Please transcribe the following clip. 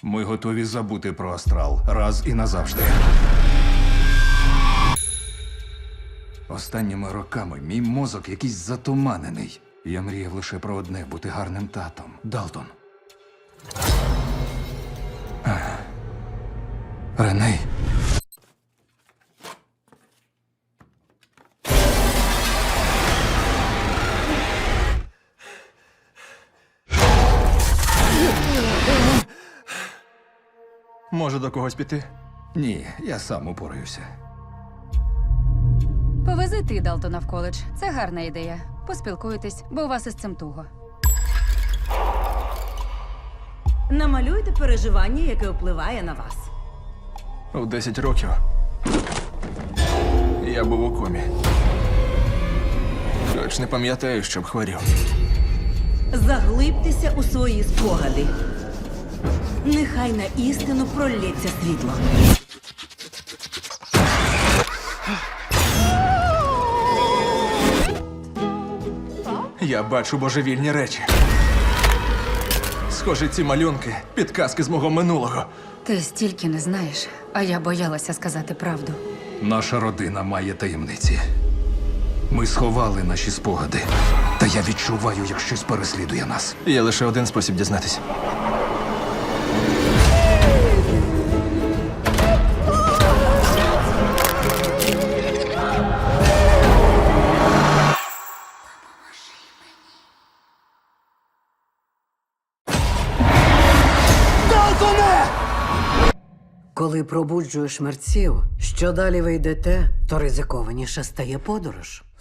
Ми готові забути про астрал раз і назавжди. Останніми роками мій мозок якийсь затуманений. Я мріяв лише про одне – бути гарним татом. Далтон. Реней. Може, до когось піти? Ні, я сам упораюся. Повези ти Далтона в коледж. Це гарна ідея. Поспілкуйтесь, бо у вас із цим туго. Намалюйте переживання, яке впливає на вас. У 10 років я був у комі. Хоч не пам'ятаю, щоб хворів. Заглибтеся у свої спогади. Нехай на істину пролється світло. Я бачу божевільні речі. Схоже, ці малюнки – підказки з мого минулого. Ти стільки не знаєш, а я боялася сказати правду. Наша родина має таємниці. Ми сховали наші спогади. Та я відчуваю, як щось переслідує нас. Є лише один спосіб дізнатись. Коли пробуджуєш мерців, що далі ви йдете, то ризикованіше стає подорож.